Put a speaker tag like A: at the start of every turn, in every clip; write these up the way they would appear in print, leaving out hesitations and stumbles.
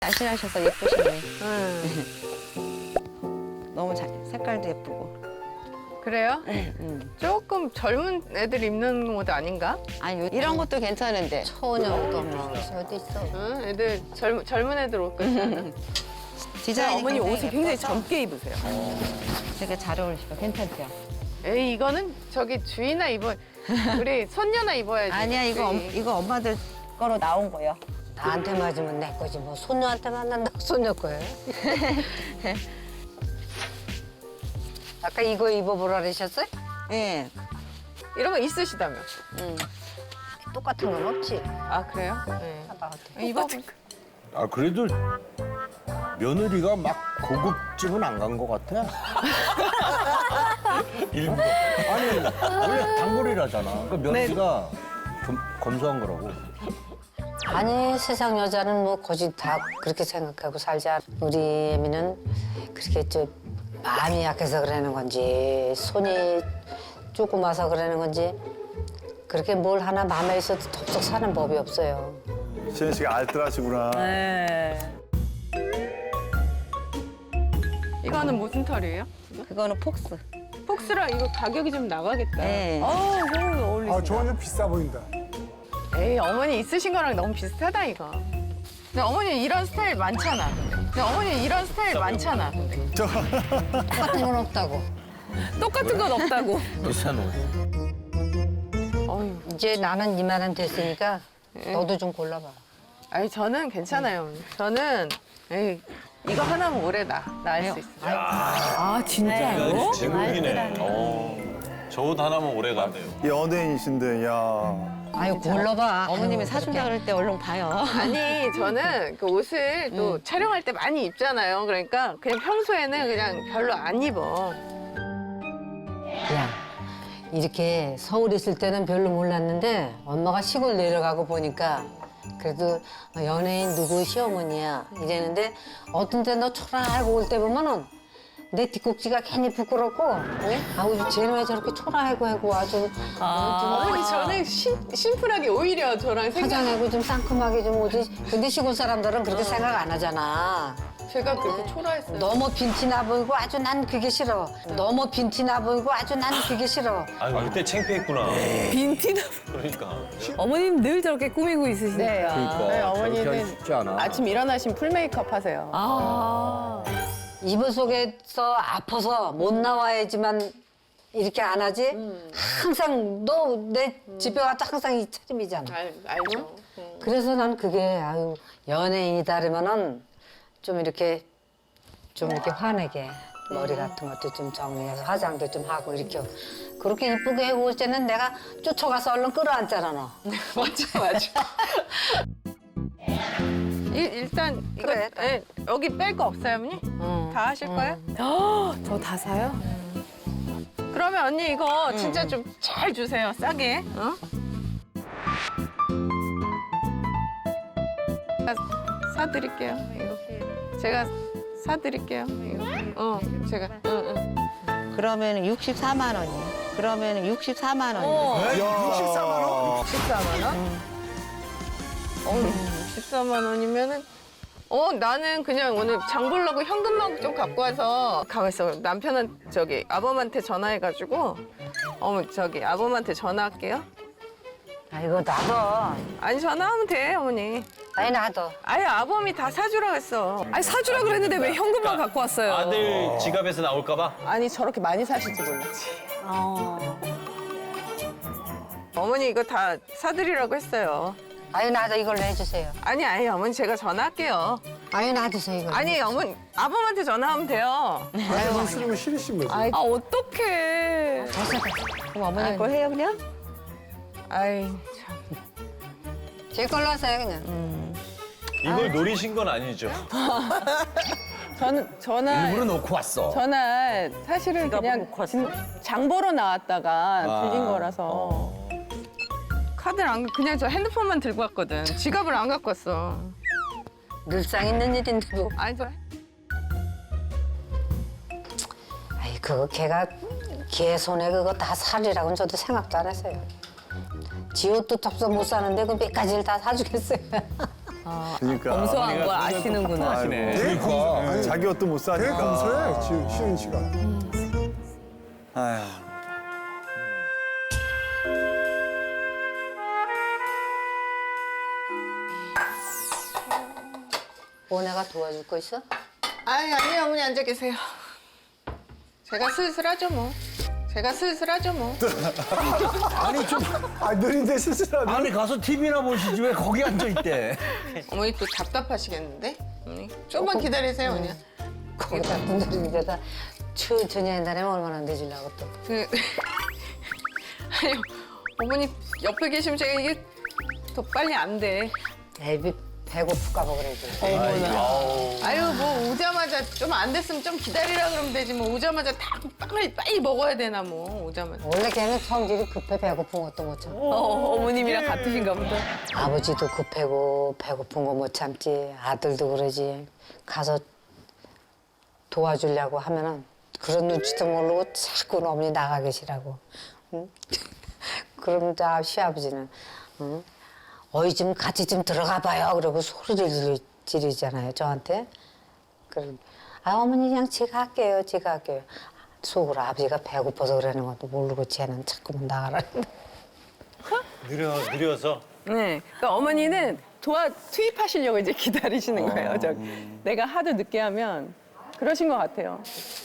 A: 날씬하셔서 예쁘시네. 너무 색깔도 예쁘고.
B: 그래요? 조금 젊은 애들 입는 옷 아닌가?
A: 아니 이런 것도 괜찮은데.
C: 처녀도 뭐 어디 있어?
B: 응, 애들 젊은 애들 옷 같잖아.
A: 디자인이
D: 어머니 옷을 굉장히
A: 예뻐서
D: 젊게 입으세요.
A: 되게 잘 어울리시고 괜찮죠?
B: 에이 이거는 저기 주인아 입어. 우리 손녀나 입어야지.
A: 아니야 이거 엄마들 거로 나온 거예요.
C: 나한테 맞으면 내 거지 뭐 손녀한테 맞는다고 손녀 거예요? 아까 이거 입어보라 그러셨어요?
A: 예.
B: 이런 거 있으시다며.
C: 똑같은 건 없지.
B: 아 그래요? 네. 입어.
E: 아 그래도 며느리가 막 고급집은 안 간 것 같아. 일부러. 아니 원래 단골이라잖아. 그러니까 며느리가 검소한 거라고.
C: 아니 세상 여자는 뭐 거짓 다 그렇게 생각하고 살지 않아. 우리 애미는 그렇게 좀 마음이 약해서 그러는 건지 손이 조그마서 그러는 건지 그렇게 뭘 하나 마음에 있어도 덥석 사는 법이 없어요.
F: 시현 씨가 알뜰하시구나.
D: 네.
B: 이거는 무슨 털이에요?
A: 그거는 폭스.
B: 폭스라 이거 가격이 좀 나가겠다.
A: 예.
D: 너무 어울리신다.
F: 아, 저건 좀 비싸 보인다.
B: 에이 어머니 있으신 거랑 너무 비슷하다 이거. 근데 어머니 이런 스타일 많잖아. 근데 어머니 이런 스타일 많잖아.
C: 똑같은 건 없다고.
D: 똑같은 건 없다고.
E: 비싼 옷.
B: 어휴.
C: 이제 나는 이만한 됐으니까 너도 좀 골라봐.
B: 아니 저는 괜찮아요. 어머니. 저는 에이 이거 하나면 오래다. 나 할 수 있어.
D: 아 진짜요?
G: 제국이네. 저 옷 하나면 오래 간대요.
F: 연예인이신데, 야.
C: 아유 골라봐.
A: 어머님이
C: 아유,
A: 사준다 그럴 때 얼른 봐요.
B: 아니 저는 그 옷을 또 촬영할 때 많이 입잖아요. 그러니까 그냥 평소에는 그냥 별로 안 입어.
C: 야, 이렇게 서울 있을 때는 별로 몰랐는데 엄마가 시골 내려가고 보니까 그래도 연예인 누구 시어머니야 이랬는데 어떤 때 너 초라하고 올 때 보면은 내 뒷꼭지가 괜히 부끄럽고 아우 쟤는 왜 저렇게 초라하고 하고 아주
B: 어머니 저는 심플하게 오히려 저랑 생각
C: 화장하고 좀 상큼하게 좀 오지. 근데 시골 사람들은 그렇게 생각 안 하잖아.
B: 제가 그렇게 초라했어요.
C: 너무 빈티 나 보이고 아주 난 그게 싫어. 너무 빈티 나 보이고 아주 난 그게 싫어.
G: 아 그때 창피했구나.
D: 빈티나.
G: 그러니까.
D: 어머님 늘 저렇게 꾸미고 있으시니까.
B: 네.
E: 그러니까
B: 네,
E: 저렇게
B: 어머니는
E: 하기 쉽지 않아.
B: 아침 일어나신 풀 메이크업 하세요.
D: 아.
C: 이불 속에서 아파서 못 나와야지만 이렇게 안 하지? 항상 너 내 집에 와도 항상 이 차림이잖아.
B: 알죠.
C: 그래서 난 그게 아유 연예인이다 그러면은 좀 이렇게 화내게 머리 같은 것도 좀 정리해서 화장도 좀 하고 이렇게 그렇게 이쁘게 하고 올 때는 내가 쫓아가서 얼른 끌어안잖아 너.
B: 맞아. 일단 이거
C: 그래,
B: 예, 여기 뺄 거 없어요, 어머니? 다 하실 거예요?
D: 저 다 사요?
B: 그러면 언니 이거 진짜 좀 잘 주세요, 싸게. 어? 제가 사드릴게요. 이거. 제가 사드릴게요. 이거. 제가. 응.
A: 그러면 64만 원이에요. 그러면 64만 원이에요.
F: 야, 64만 원?
B: 14만 원? 14만 원이면은 나는 그냥 오늘 장 보려고 현금만 좀 갖고 와서 가만있어. 남편은 저기 아범한테 전화해가지고 저기 아범한테 전화할게요.
C: 아이고 나도.
B: 아니 전화하면 돼 어머니.
C: 아니 나도.
B: 아예 아범이 다 사주라 했어.
D: 아니 사주라 그랬는데 왜 현금만 갖고 왔어요?
G: 아들 지갑에서 나올까봐?
B: 아니 저렇게 많이 사실지 몰랐지. 어머니 이거 다 사드리라고 했어요.
C: 아유 나도 이걸로 해주세요.
B: 아니 어머니 제가 전화할게요.
C: 아유 놔두세요 이거.
B: 아니 어머니 아범한테 전화하면 돼요.
F: 아유, 싫으면 싫으신 거지.
B: 아이,
D: 아 어떡해.
A: 그럼 어머니 거 해요 그냥?
B: 아이 참.
C: 제 걸로 하세요 그냥.
G: 이걸 노리신 건 아니죠?
B: 저는 전화
E: 일부러 놓고 왔어.
B: 전화 사실은 그냥 장 보러 나왔다가 들린 거라서 카드를 안 그냥 저 핸드폰만 들고 왔거든. 지갑을 안 갖고 왔어.
C: 늘상 있는 일인데 뭐.
B: 아니 저
C: 아이 그거 걔 손에 그거 다 살이라고는 저도 생각도 안 했어요. 지 옷도 덥석 못 사는데 그 몇 가지를 다 사주겠어요.
F: 그러니까.
D: 검소한 걸 아시는구나.
G: 하시네.
E: 그러니까.
F: 자기 옷도 못 되게 사니까.
H: 검소해, 쉬는 시간.
F: 아휴.
C: 오네가 도와줄 거 있어?
B: 아니요, 어머니 앉아 계세요. 제가 슬슬 하죠, 뭐. 제가 슬슬 하죠, 뭐.
E: 아니 좀
F: 아, 느린데 스스로.
E: 아니 가서 TV나 보시지 왜 거기 앉아 있대?
B: 어머니 또 답답하시겠는데? 어머니, 좀만 기다리세요, 그냥.
C: 거기다 분들이 데다 천천히 한다면 얼마나 늦으려고 또.
B: 아니, 어머니 옆에 계시면 제가 이게 더 빨리 안 돼.
C: 애비 배고플까 봐 그러지.
B: 아유, 뭐 오자마자 좀 안 됐으면 좀 기다리라 그러면 되지. 뭐 오자마자 다 빵을 빨리 먹어야 되나 뭐 오자마자.
C: 원래 걔는 성질이 급해 배고픈 것도 못 참아.
D: 어머님이랑 같으신가 보다.
C: 아버지도 급하고 배고픈 거 못 참지. 아들도 그러지. 가서 도와주려고 하면은 그런 눈치도 모르고 자꾸 어머니 나가 계시라고. 응? 그럼 다 시아버지는 응? 어이 좀 같이 좀 들어가 봐요. 그러고 소리를 지르잖아요 저한테. 그럼 아 어머니 그냥 제가 할게요. 제가 할게요. 속으로 아버지가 배고파서 그러는 것도 모르고 쟤는 자꾸만 나가라.
G: 느려서.
D: 네. 그러니까 어머니는 투입하시려고 이제 기다리시는 거예요. 내가 하도 늦게 하면 그러신 것 같아요.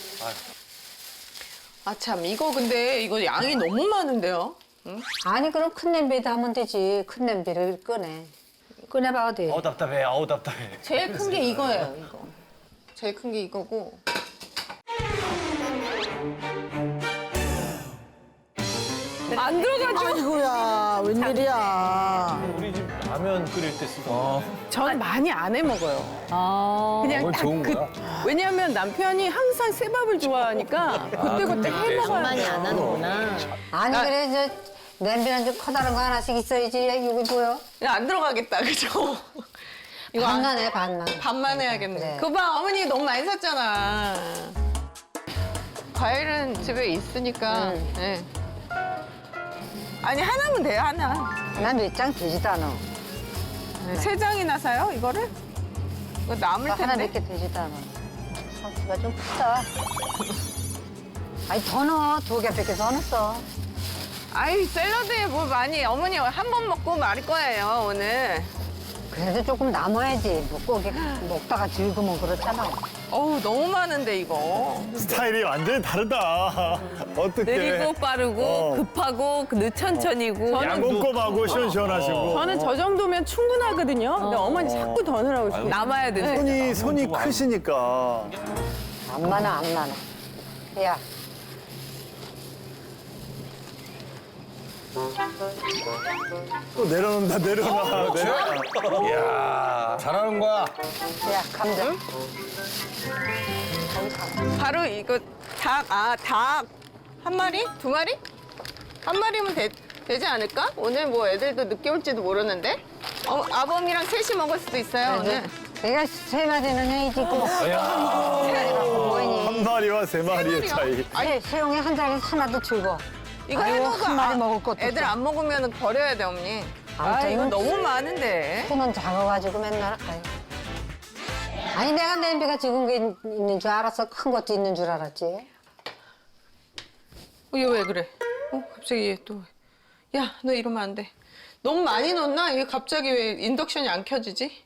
B: 아 참 이거 근데 이거 양이 너무 많은데요? 응?
C: 아니 그럼 큰 냄비에다 하면 되지. 큰 냄비를 꺼내봐 어디.
G: 아우 답답해. 아우 답답해.
B: 제일 큰 게 이거예요. 이거. 제일 큰 게 이거고.
D: 안 들어가죠?
I: 아이고야, 웬일이야.
G: 우리 집 라면 끓일 때 쓰던.
D: 전 많이 안 해 먹어요. 그냥
E: 그건
D: 딱
E: 좋은 거야.
D: 왜냐하면 남편이 항상 새밥을 좋아하니까 그때그때 해 먹어야
A: 많이 안 하는구나.
C: 아니 그래 저 냄비는 좀 커다란 거 하나씩 있어야지. 이거 뭐야?
B: 이거 안 들어가겠다, 그죠? 이거 안-
C: 반만 해 반만.
B: 반만 해야겠네.
C: 그래.
B: 그거 봐, 어머니 너무 많이 샀잖아. 과일은 집에 있으니까. 네. 아니 하나면 돼요, 하나.
C: 난 몇 장 되지도 않아.
B: 세 장이나 사요, 이거를? 이거 남을
C: 하나
B: 텐데.
C: 몇 개 되지도 않아. 상추가 좀 크다. 아니 더 넣어. 2개밖에 더 넣었어.
B: 아이 샐러드에 뭐 많이 어머니 한 번 먹고 말을 거예요 오늘.
C: 그래도 조금 남아야지. 먹고 이렇게 먹다가 즐거면 그렇잖아.
B: 어우 너무 많은데 이거.
F: 스타일이 완전히 다르다. 어떻게?
D: 느리고 빠르고 급하고 천천히고.
F: 꼼꼼하고 시원시원하시고.
D: 저는 저 정도면 충분하거든요. 근데 어머니 자꾸 더 넣으라고 싶어요. 남아야 되는데.
F: 손이 크시니까.
C: 안 많아 안 많아. 야.
F: 또 내려놓는다, 내려놔. 내려놔.
E: 이야 잘하는 거야.
C: 야 감자.
B: 바로 이거 닭 한 마리? 두 마리? 한 마리면 되지 않을까? 오늘 뭐 애들도 늦게 올지도 모르는데. 아범이랑 셋이 먹을 수도 있어요 오늘.
C: 내가 3마리는 해야지. 뭐니?
F: 한 마리와 3마리의 차이.
C: 소영이 한 장에 하나도 줄고.
B: 이거
C: 아이고,
B: 해먹어.
C: 한 마리 먹을 것도
B: 애들
C: 없어.
B: 안 먹으면 버려야 돼 어머니.
C: 아무튼
B: 이거
C: 이건
B: 너무 많은데.
C: 손은 작아가지고 맨날 아유. 아니 내가 냄비가 지금 있는 줄 알았어. 큰 것도 있는 줄 알았지.
B: 얘 왜 그래? 갑자기 얘 또. 야, 너 이러면 안 돼. 너무 많이 넣었나? 이게 갑자기 왜 인덕션이 안 켜지지?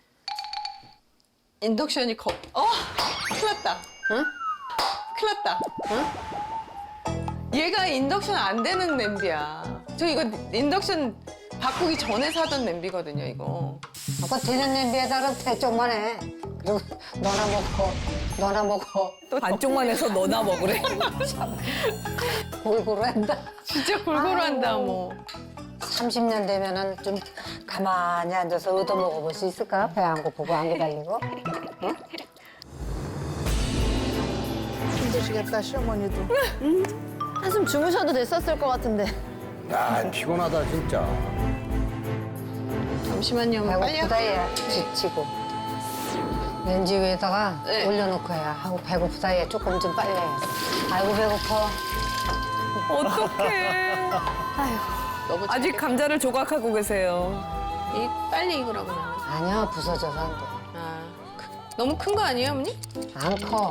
B: 인덕션이 큰일 났다.
C: 응?
B: 큰일 났다. 응? 얘가 인덕션 안 되는 냄비야. 저 이거 인덕션 바꾸기 전에 사던 냄비거든요, 이거.
C: 아까 되는 냄비에다가 대쪽만 해. 그리고 너나 먹고
D: 또 반쪽만 해서 너나 먹으래.
C: 골고루 한다.
B: 진짜 골고루 한다, 뭐.
C: 30년 되면은 좀 가만히 앉아서 얻어 먹어볼 수 있을까? 배 안 고프고 안 기다리고. 응?
I: 힘드시겠다, 시어머니도. 한숨 주무셔도 됐었을 것 같은데.
E: 야 피곤하다 진짜.
B: 잠시만요, 빨리
C: 배고프다
B: 할게요.
C: 얘 지치고. 렌지 위에다가
B: 네.
C: 올려놓고 해. 하고 배고프다 얘 조금 좀 빨리 해. 아이고 배고파.
D: 어떡해.
B: 너무
D: 아직 감자를 조각하고 계세요.
B: 빨리 익으라고 나는.
C: 아니야, 부서져서 안 돼.
B: 너무 큰 거 아니에요, 어머니?
C: 안 커.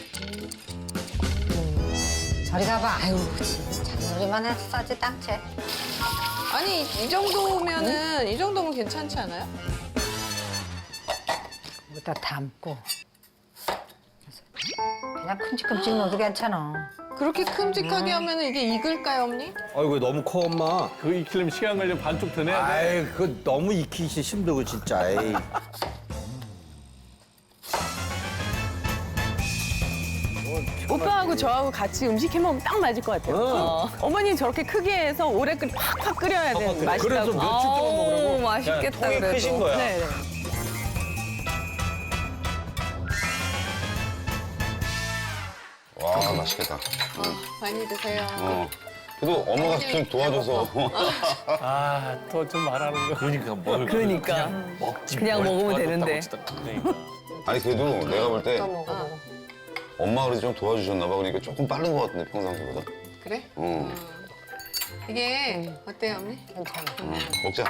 C: 저리 가봐. 아유, 진짜. 우리만 해서 싸지 딱채.
B: 아니 이 정도면은 이 정도면 괜찮지 않아요?
C: 여기다 담고. 그냥 큼직큼직 넣어도 괜찮아.
B: 그렇게 큼직하게 하면은 이게 익을까요, 어머니?
E: 아이고 너무 커 엄마.
G: 그거 익히려면 시간 걸려 반쪽 더 내야 돼.
E: 아이 그 너무 익히기 힘들고 진짜. 에이.
D: 오빠하고 저하고 같이 음식 해 먹으면 딱 맞을 것 같아요. 어머니 저렇게 크게 해서 오래 팍팍 끓여야 돼.
E: 그래서
D: 맛있다고.
E: 며칠 동안 먹으라고.
B: 맛있겠다
E: 통이
B: 그래도.
E: 크신 거야.
D: 네, 네.
H: 와, 맛있겠다.
B: 많이 드세요.
H: 그래도 엄마가 좀 도와줘서.
G: 아, 더 좀 말하는 거. 그러니까 뭘.
D: 그러니까.
G: 먹지.
D: 그냥
G: 뭘
D: 먹으면
G: 도와줬다고
D: 되는데.
G: 진짜. 그러니까.
H: 아니, 그래도 내가 볼 때
C: 또 먹어보고.
H: 엄마가 그래도 좀 도와주셨나 봐. 그러니까 조금 빠른 것 같은데, 평상시보다.
B: 그래?
H: 어,
B: 이게 어때요, 어머니?
C: 괜찮아.
H: 먹자.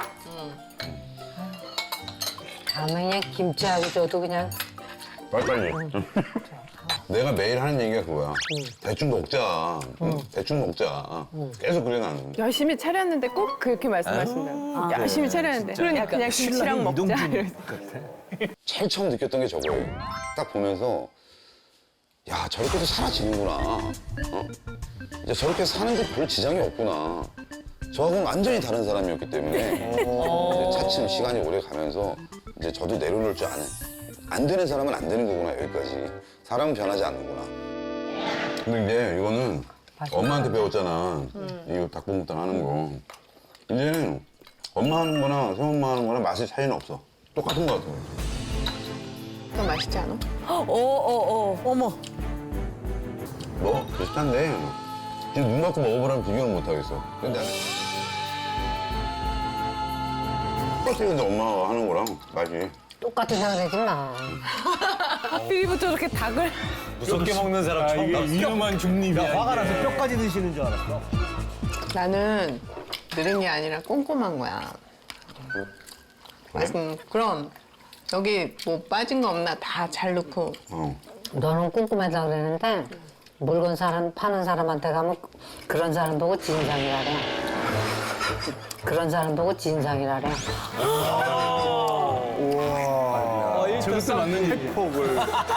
C: 다음에 그냥 김치하고 줘도 그냥
H: 빨리빨리. 내가 매일 하는 얘기가 그거야. 대충 먹자. 대충 먹자. 계속 그래, 나는.
D: 열심히 차렸는데 꼭 그렇게 말씀하신다고. 열심히 차렸는데. 그러니까 그냥 김치랑 먹자. 이러면서.
H: 제일 처음 느꼈던 게 저거예요. 딱 보면서, 야, 저렇게도 살아지는구나. 어? 이제 저렇게 사는 게 별 지장이 없구나. 저하고는 완전히 다른 사람이었기 때문에 이제 차츰 시간이 오래 가면서 이제 저도 내려놓을 줄 아는. 안 되는 사람은 안 되는 거구나, 여기까지. 사람은 변하지 않는구나. 근데 이제 이거는 엄마한테 배웠잖아. 이 닭볶음탕 하는 거. 이제는 엄마 하는 거나 새엄마 하는 거나 맛의 차이는 없어. 똑같은 거 같아.
B: 더 맛있지 않아?
I: 어머.
H: 뭐 비슷한데 지금 눈 감고 먹어보라면 비교는 못 하겠어. 근데 똑같아. 근데 엄마가 하는 거랑 맛이.
C: 똑같은 생각하지 마.
D: 하필이부터 저렇게 닭을.
G: 무섭게 먹는 사람 처음 봤어. 위험한 중립이야.
E: 화가 나서
G: 이게.
E: 뼈까지 드시는 줄 알았어.
B: 나는 느린 게 아니라 꼼꼼한 거야. 그럼 여기 뭐 빠진 거 없나 다 잘 넣고.
C: 너는 꼼꼼하다 그랬는데 물건 파는 사람한테 가면 그런 사람 보고 진상이라래. 그런 사람 보고 진상이라래.
G: 저것도 맞는 얘기야.
F: 폭을.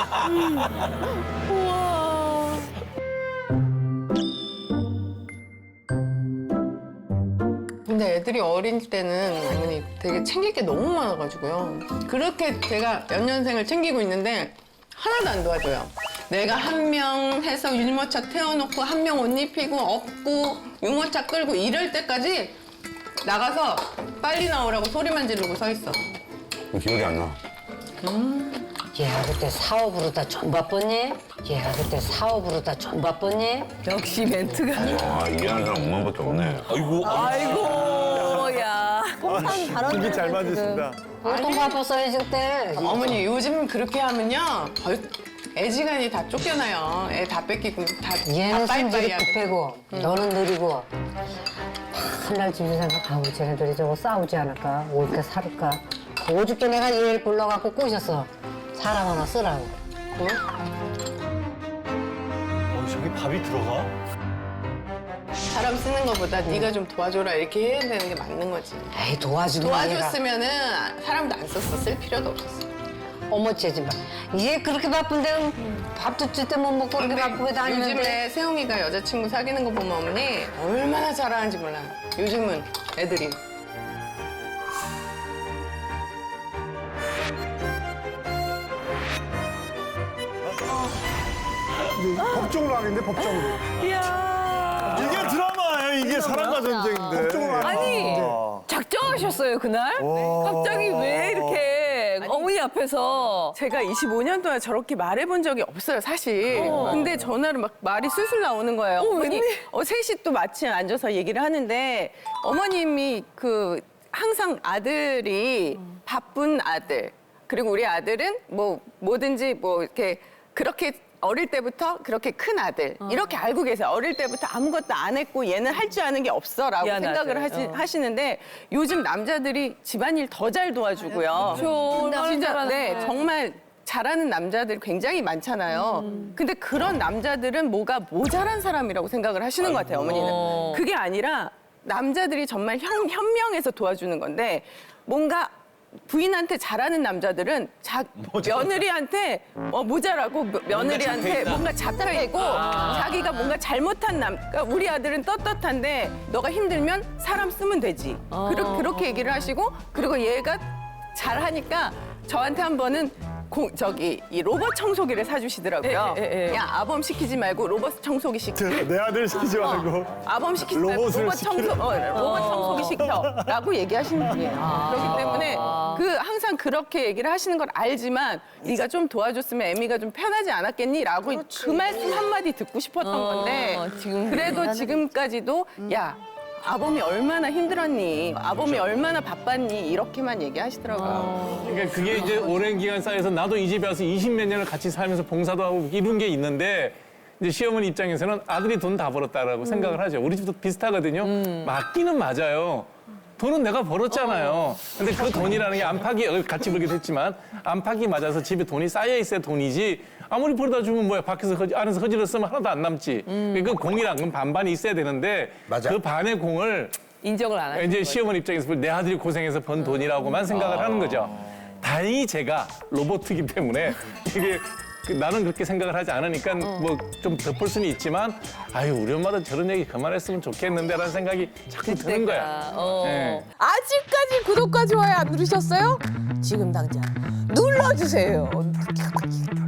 B: 근데 애들이 어릴 때는 어머니 되게 챙길 게 너무 많아가지고요. 그렇게 제가 연년생을 챙기고 있는데 하나도 안 도와줘요. 내가 한 명 해서 유모차 태워놓고 한 명 옷 입히고 업고 유모차 끌고 이럴 때까지 나가서 빨리 나오라고 소리만 지르고 서 있어.
H: 기억이 안 나.
C: 얘가 그때 사업으로 다 전 바빴니? 얘가 그때 사업으로 다 전 바빴니?
D: 역시 멘트가.
H: 와, 이해하는 사람 엄마밖에 없네.
D: 아이고, 야.
F: 되게 잘 맞으신다.
C: 보통 바빴어야지 그때.
B: 어머니 요즘 그렇게 하면요 애지간히 다 쫓겨나요. 애 다 뺏기고 다
C: 얘는
B: 빠이빠이
C: 성질이
B: 하고.
C: 급하고 너는 느리고 한날 집에 생각 아우 쟤네들이 저거 싸우지 않을까? 올까 살까? 오죽게 내가 얘를 불러갖고 꼬셨어. 사람 하나 쓰라고. 응?
G: 저기 밥이 들어가?
B: 사람 쓰는 것보다 네가 좀 도와줘라 이렇게 해야 되는 게 맞는 거지.
C: 에이 도와주는 거 아니라.
B: 도와줬으면은 사람도 안 썼어. 쓸 필요도 없었어.
C: 어머 쟤지 마. 얘 그렇게 바쁜데 밥도 제때 못 먹고 그렇게 바쁘게 다니는데.
B: 요즘에 세영이가 여자친구 사귀는 거 보면 어머니 얼마나 잘하는지 몰라요. 요즘은 애들이.
F: 법정으로 하는데 법정으로.
D: 이야.
F: 이게 드라마예요. 이게 사랑과 전쟁인데. 법정으로
D: 아니, 작정하셨어요, 그날? 갑자기 왜 이렇게 어머니 앞에서. 제가 25년 동안 저렇게 말해본 적이 없어요, 사실. 근데 전화로 막 말이 술술 나오는 거예요. 어머니, 셋이 또 마침 앉아서 얘기를 하는데 어머님이 항상 아들이 바쁜 아들. 그리고 우리 아들은 뭐든지 이렇게
B: 그렇게 어릴 때부터 그렇게 큰 아들 이렇게 알고 계세요. 어릴 때부터 아무것도 안 했고 얘는 할 줄 아는 게 없어라고
D: 미안
B: 생각을
D: 아들.
B: 하시는데 요즘 남자들이 집안일 더 잘 도와주고요. 진짜 네 정말 잘하는 남자들 굉장히 많잖아요. 근데 그런 남자들은 뭐가 모자란 사람이라고 생각을 하시는 것 같아요, 어머니는. 그게 아니라 남자들이 정말 현명해서 도와주는 건데 뭔가 부인한테 잘하는 남자들은 며느리한테 모자라고 며느리한테 뭔가 잡혀있고 자기가 뭔가 잘못한 그러니까 우리 아들은 떳떳한데 너가 힘들면 사람 쓰면 되지. 그렇게 얘기를 하시고 그리고 얘가 잘하니까 저한테 한 번은 이 로봇 청소기를 사주시더라고요. 야 아범 시키지 말고 로봇 청소기 시켜.
F: 내 아들 시키지 말고.
B: 아범 시키지 말고
F: 로봇을
B: 로봇 청소기 시켜라고 얘기하시는 분이에요. 그렇기 때문에 항상 그렇게 얘기를 하시는 걸 알지만 네가 좀 도와줬으면 애미가 좀 편하지 않았겠니?라고 그 말씀 한마디 듣고 싶었던 건데 그래도 지금까지도 야 아범이 얼마나 힘들었니? 아범이 얼마나 바빴니? 이렇게만 얘기하시더라고요.
G: 그러니까 그게 이제 오랜 기간 쌓여서 나도 이 집에 와서 20몇 년을 같이 살면서 봉사도 하고 이런 게 있는데 이제 시어머니 입장에서는 아들이 돈 다 벌었다라고 생각을 하죠. 우리 집도 비슷하거든요. 맞기는 맞아요. 돈은 내가 벌었잖아요. 근데 그 돈이라는 게 안팎이 같이 벌기도 했지만 안팎이 맞아서 집에 돈이 쌓여 있어야 돈이지 아무리 벌어다 주면 뭐야 밖에서 안에서 허지렀으면 하나도 안 남지. 그 공이랑 건 반반이 있어야 되는데
E: 맞아.
G: 그 반의 공을
D: 인정을 안 하는
G: 이제
D: 거죠.
G: 시어머니 입장에서 보면 내 아들이 고생해서 번 돈이라고만 생각을 하는 거죠. 다행히 제가 로봇이기 때문에 이게 나는 그렇게 생각을 하지 않으니까 뭐 좀 덮을 수는 있지만 아유 우리 엄마도 저런 얘기 그만했으면 좋겠는데라는 생각이 자꾸 드는 거야. 네.
I: 아직까지 구독과 좋아요 안 누르셨어요? 지금 당장 눌러주세요.